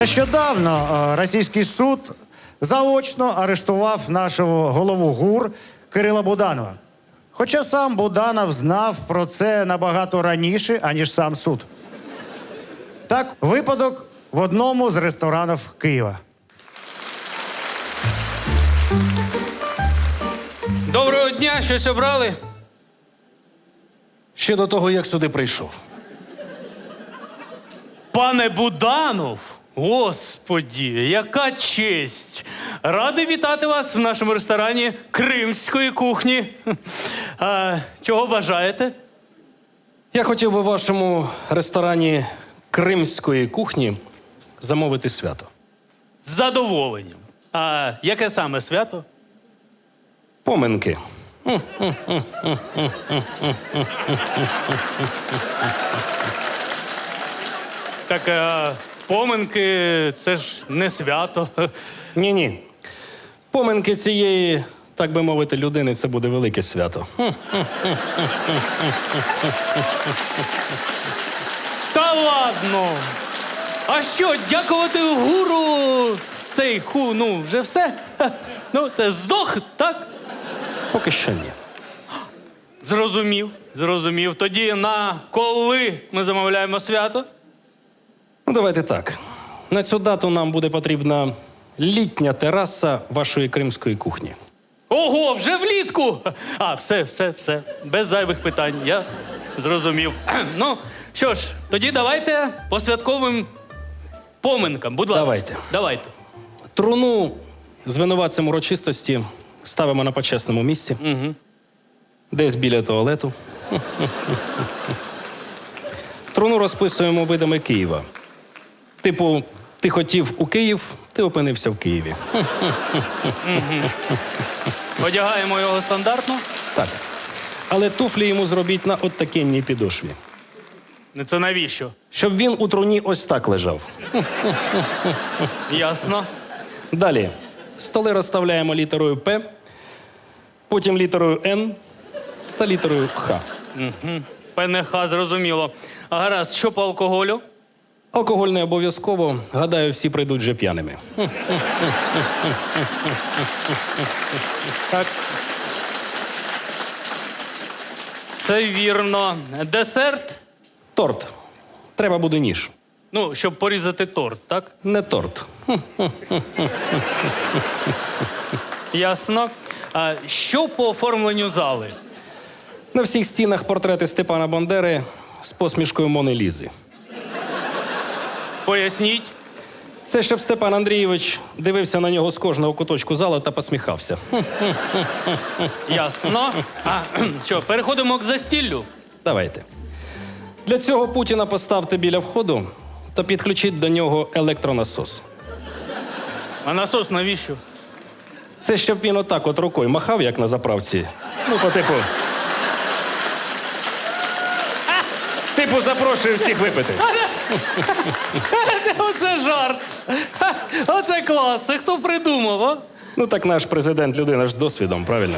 Нещодавно російський суд заочно арештував нашого голову ГУР Кирила Буданова. Хоча сам Буданов знав про це набагато раніше, аніж сам суд. Так, випадок в одному з ресторанів Києва. Доброго дня, щось обрали? Ще до того, як сюди прийшов. Пане Буданов, господі, яка честь! Радий вітати вас в нашому ресторані кримської кухні. Чого бажаєте? Я хотів би в вашому ресторані кримської кухні замовити свято. З задоволенням. А яке саме свято? Поминки. Так, поминки – це ж не свято. Ні-ні. Поминки цієї, так би мовити, людини – це буде велике свято. Та ладно! А що, дякувати гуру цей вже все? Ну, це здох, так? Поки що ні. Зрозумів. Тоді на коли ми замовляємо свято? Ну, давайте так. На цю дату нам буде потрібна літня тераса вашої кримської кухні. Ого, вже влітку! Все. Без зайвих питань, я зрозумів. Ну, що ж, тоді давайте по святковим поминкам, будь ласка. Давайте. Труну з винуватцем урочистості ставимо на почесному місці. Угу. Десь біля туалету. Труну розписуємо видами Києва. Типу, ти хотів у Київ, ти опинився в Києві. Одягаємо його стандартно? Так. Але туфлі йому зробіть на оттакенній підошві. Це навіщо? Щоб він у труні ось так лежав. Ясно. Далі. Столи розставляємо літерою П, потім літерою Н та літерою Х. ПНХ, зрозуміло. А гаразд, що по алкоголю? Алкоголь не обов'язково. Гадаю, всі прийдуть вже п'яними. Так. Це вірно. Десерт? Торт. Треба буде ніж. Ну, щоб порізати торт, так? Не торт. Ясно. А що по оформленню зали? На всіх стінах портрети Степана Бандери з посмішкою Мони Лізи. Поясніть. Це щоб Степан Андрійович дивився на нього з кожного куточку зала та посміхався. Ясно. Що, переходимо к застіллю? Давайте. Для цього Путіна поставте біля входу та підключіть до нього електронасос. А насос навіщо? Це щоб він отак от рукою махав, як на заправці. Ну, по типу. Типу, запрошую всіх випити. Оце жарт. Оце клас. Це хто придумав, а? Ну, так наш президент людина ж з досвідом, правильно?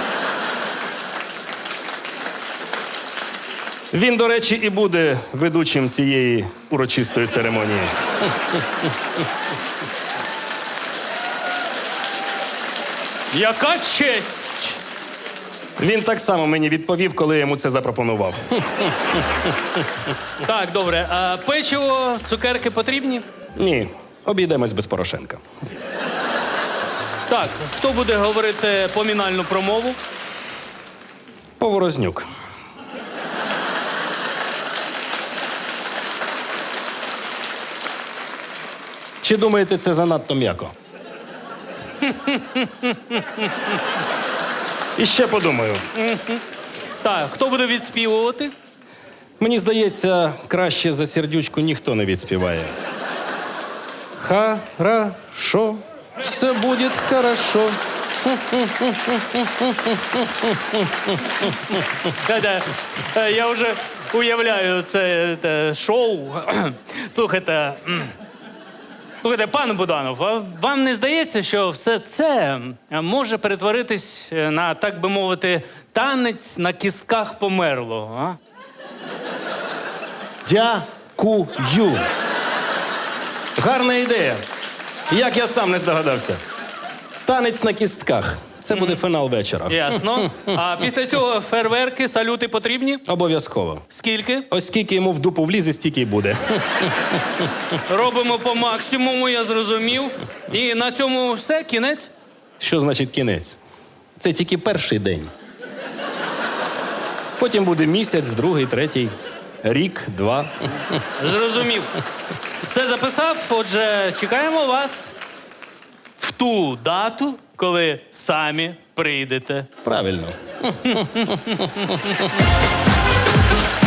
Він, до речі, і буде ведучим цієї урочистої церемонії. Яка честь! Він так само мені відповів, коли я йому це запропонував. Так, добре. А печиво, цукерки потрібні? Ні, обійдемось без Порошенка. Так, хто буде говорити помінальну промову? Поворознюк. Чи думаєте, це занадто м'яко? І ще подумаю. Так, хто буде відспівувати? Мені здається, краще за сердючку ніхто не відспіває. Хорошо, все буде хорошо. Я вже уявляю це шоу. Слухайте, пане Буданов, а вам не здається, що все це може перетворитись на, так би мовити, танець на кістках померлого, а? Дякую. Гарна ідея. Як я сам не здогадався. Танець на кістках. Це буде фінал вечора. Ясно. А після цього фейерверки, салюти потрібні? Обов'язково. Скільки? Ось скільки йому в дупу влізе, стільки й буде. Робимо по максимуму, я зрозумів. І на цьому все, кінець? Що значить кінець? Це тільки перший день. Потім буде місяць, другий, третій, рік, два. Зрозумів. Все записав, отже, чекаємо вас в ту дату, коли самі прийдете. Правильно.